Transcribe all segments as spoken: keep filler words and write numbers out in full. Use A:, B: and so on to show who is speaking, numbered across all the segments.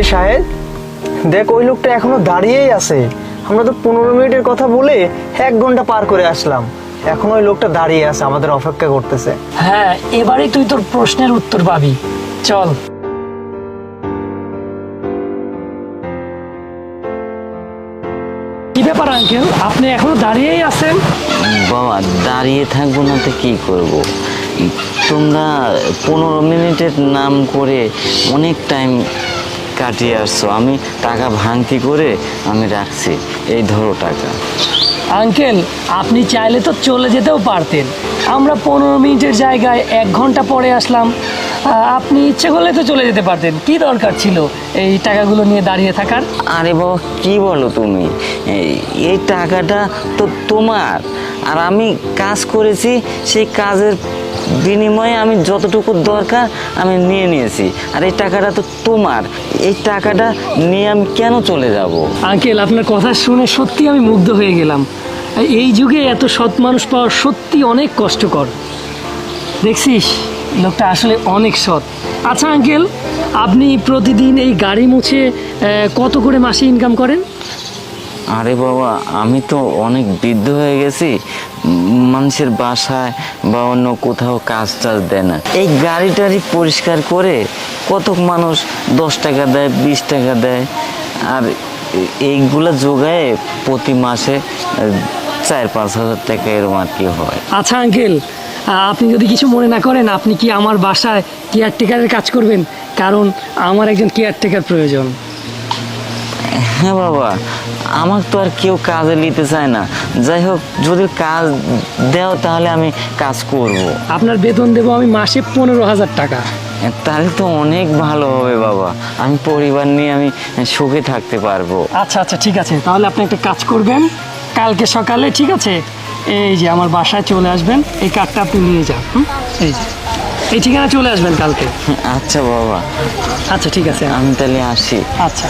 A: এই শাহেদ, দেখ ওই লোকটা এখনো দাঁড়িয়েই আছে। আমরা তো পনেরো মিনিটের কথা বলে এক ঘন্টা পার করে আসলাম, এখন ওই লোকটা দাঁড়িয়ে আছে, আমাদের অপেক্ষা করতেছে।
B: হ্যাঁ, এবারে তুই তোর প্রশ্নের উত্তর পাবি। চল। কি ব্যাপার আঙ্কেল, আপনি এখনো দাঁড়িয়েই আছেন?
C: বাবা, দাঁড়িয়ে থাকবো না তো কি করব? তোমরা পনেরো মিনিটের নাম করে অনেক টাইম কাটিয়ে আসছো, আমি টাকা ভাঙতি করে আমি রাখছি, এই ধরো টাকা।
B: আঙ্কেল, আপনি চাইলে তো চলে যেতেও পারতেন, আমরা পনেরো মিনিটের জায়গায় এক ঘন্টা পরে আসলাম। আপনি ইচ্ছে করলে তো চলে যেতে পারতেন, কি দরকার ছিল এই টাকাগুলো নিয়ে দাঁড়িয়ে থাকার?
C: আরে বাবা, কি বলো তুমি? এই টাকাটা তো তোমার, আর আমি কাজ করেছি, সেই কাজের বিনিময়ে আমি যতটুকু দরকার আমি নিয়ে নিয়েছি, আর এই টাকাটা তো তোমার। এই টাকাটা নিয়ে আমি কেন চলে যাব?
B: আঙ্কেল, আপনার কথা শুনে সত্যি আমি মুগ্ধ হয়ে গেলাম। এই যুগে এত সৎ মানুষ পাওয়া সত্যি অনেক কষ্টকর। দেখছিস, লোকটা আসলে অনেক সৎ। আচ্ছা আঙ্কেল, আপনি প্রতিদিন এই গাড়ি মুছে কত করে মাসে ইনকাম করেন?
C: আরে বাবা, আমি তো অনেক বৃদ্ধ হয়ে গেছি, মানুষের বাসায় বা অন্য কোথাও কাজ টাজ দেয় না। এই গাড়ি টাড়ি পরিষ্কার করে কত মানুষ দশ টাকা দেয়, বিশ টাকা দেয়, আর এইগুলো যোগায় প্রতি মাসে চার পাঁচ হাজার টাকা এরকম আর কি হয়।
B: আচ্ছা আঙ্কেল, আপনি যদি কিছু মনে না করেন, আপনি কি আমার বাসায় কেয়ারটেকারের কাজ করবেন? কারণ আমার একজন কেয়ারটেকার প্রয়োজন।
C: হ্যাঁ বাবা, আমার তো আর কেউ কাজে নিতে চায় না। যাই হোক, যদি কাজ দেও তাহলে আমি কাজ করব।
B: আপনার বেতন দেবো আমি মাসে পনেরো হাজার টাকা।
C: তাহলে তো অনেক ভালো হবে বাবা, আমি পরিবার নিয়ে আমি সুখে থাকতে পারবো।
B: আচ্ছা আচ্ছা, ঠিক আছে, তাহলে আপনি একটা কাজ করবেন, কালকে সকালে, ঠিক আছে, এই যে আমার বাসায় চলে আসবেন, এই কার্ডটা আপনি নিয়ে যান। হুম, এই যে এই ঠিকানা চলে আসবেন কালকে।
C: আচ্ছা বাবা,
B: আচ্ছা ঠিক আছে,
C: আমি তাহলে আসি।
B: আচ্ছা।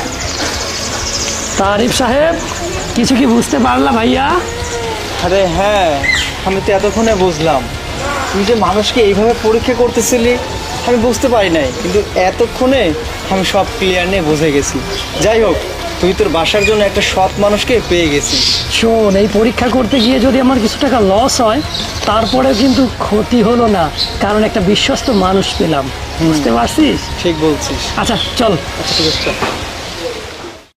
B: তারিফ সাহেব, কিছু কি বুঝতে পারলা ভাইয়া?
A: আরে হ্যাঁ, আমি তো এতক্ষণে বুঝলাম। তুই যে মানুষকে এইভাবে পরীক্ষা করতেছিলি আমি বুঝতে পারি নাই, কিন্তু এতক্ষণে আমি সব ক্লিয়ার নিয়ে বুঝে গেছি। যাই হোক, তুই তোর বাসার জন্য একটা সৎ মানুষকে পেয়ে গেছিস।
B: শোন, এই পরীক্ষা করতে গিয়ে যদি আমার কিছু টাকা লস হয়, তারপরেও কিন্তু ক্ষতি হলো না, কারণ একটা বিশ্বস্ত মানুষ পেলাম। বুঝতে পারছিস?
A: ঠিক বলছিস।
B: আচ্ছা চল।
A: আচ্ছা ঠিক আছে, চল।